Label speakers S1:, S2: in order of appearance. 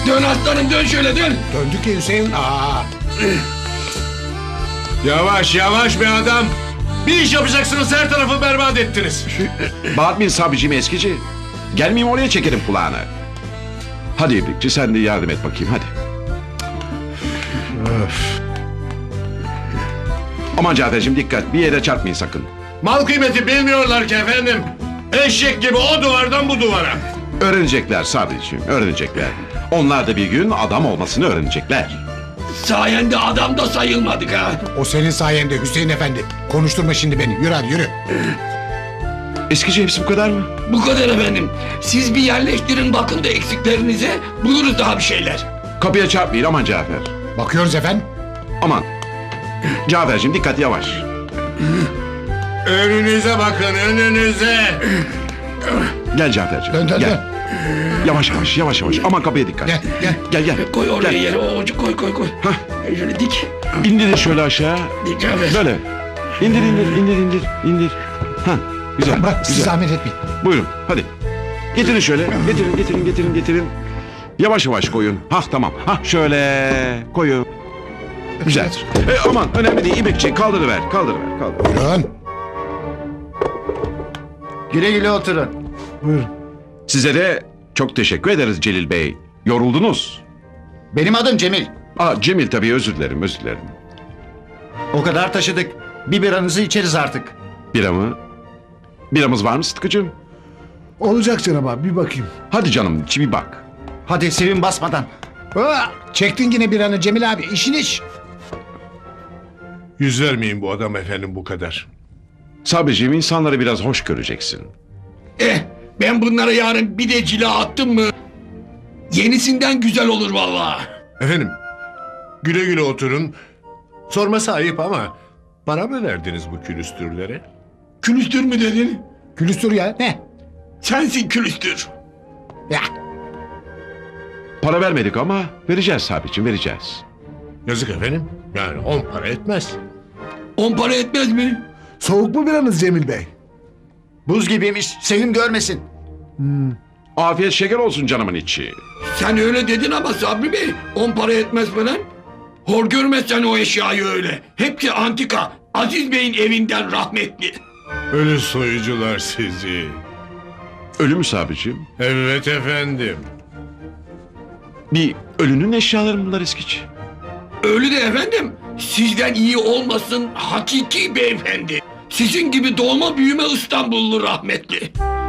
S1: Dön aslanım, dön şöyle, dön.
S2: Döndük ya Hüseyin.
S3: Yavaş yavaş be adam. Bir iş yapacaksınız, her tarafı berbat ettiniz.
S4: Bağırmayın Sabri'cim eskici. Gelmeyeyim oraya çekerim kulağını. Hadi İbrikçi sen de yardım et bakayım hadi. Aman Cafer'cim dikkat bir yere çarpmayın sakın.
S3: Mal kıymeti bilmiyorlar ki efendim. Eşek gibi o duvardan bu duvara.
S4: Öğrenecekler Sabri'cim öğrenecekler. Onlar da bir gün adam olmasını öğrenecekler.
S1: Sayende adam da sayılmadık ha.
S2: O senin sayende Hüseyin efendi. Konuşturma şimdi beni. Yürü hadi yürü.
S4: Eskici hepsi bu kadar mı?
S1: Bu kadar efendim. Siz bir yerleştirin bakın da eksiklerinize, buluruz daha bir şeyler.
S4: Kapıya çarpmayın aman Cafer.
S2: Bakıyoruz efendim.
S4: Aman. Cafer'cim dikkat yavaş.
S3: Önünüze bakın, önünüze.
S4: Gel Cafer'cim.
S2: Dön dön
S4: gel.
S2: dön.
S4: Yavaş yavaş yavaş yavaş. Aman kapıya dikkat.
S2: Gel gel.
S4: Gel gel.
S1: Koy oraya
S4: Gel.
S1: yere, o ucu koy.
S4: Hah.
S1: Şöyle dik.
S4: İndirin şöyle aşağı.
S1: Dik abi.
S4: Böyle. İndir. Ha, güzel.
S2: Bırak siz
S4: güzel.
S2: zahmet etmeyin.
S4: Buyurun hadi. Getirin şöyle. Getirin. Yavaş yavaş koyun. Hah tamam. Hah şöyle koyun. Güzel. Aman önemli değil. İbrikçi kaldırıver.
S2: Buyurun.
S5: Güle güle oturun.
S4: Size de çok teşekkür ederiz Celil Bey. Yoruldunuz.
S5: Benim adım Cemil.
S4: Cemil tabii özür dilerim.
S5: O kadar taşıdık. Bir biranızı içeriz artık.
S4: Bira mı? Biramız var mı Sıtkı'cığım?
S6: Olacak canım abi bir bakayım.
S4: Hadi canım içi bir bak.
S5: Hadi sevin basmadan.
S2: Çektin yine bir anı Cemil abi. İşin iş.
S3: Yüz vermeyin bu adam efendim bu kadar.
S4: Sabriciğim insanları biraz hoş göreceksin.
S1: Ben bunlara yarın bir de cila attım mı, yenisinden güzel olur vallahi.
S3: Efendim, güle güle oturun. Sorması ayıp ama para mı verdiniz bu külüstürlere?
S1: Külüstür mü dedin?
S2: Külüstür ya. Ne?
S1: Sensin külüstür.
S2: Ya.
S4: Para vermedik ama vereceğiz Sabriciğim vereceğiz.
S3: Yazık efendim. Yani 10 para etmez.
S1: 10 para etmez mi?
S6: Soğuk mu biranız Cemil Bey?
S5: Buz gibiymiş. Sevim görmesin.
S4: Afiyet şeker olsun canımın içi.
S1: Sen öyle dedin ama Sabri Bey, 10 para etmez falan. Hor görmezsen o eşyayı öyle. Hepsi antika. Aziz Bey'in evinden rahmetli.
S3: Ölü soyucular sizi.
S4: Ölü mü Sabriciğim?
S3: Evet efendim.
S4: Bir ölünün eşyaları mı bunlar eskici?
S1: Öyle de efendim, sizden iyi olmasın hakiki beyefendi. Sizin gibi doğma büyüme İstanbullu rahmetli.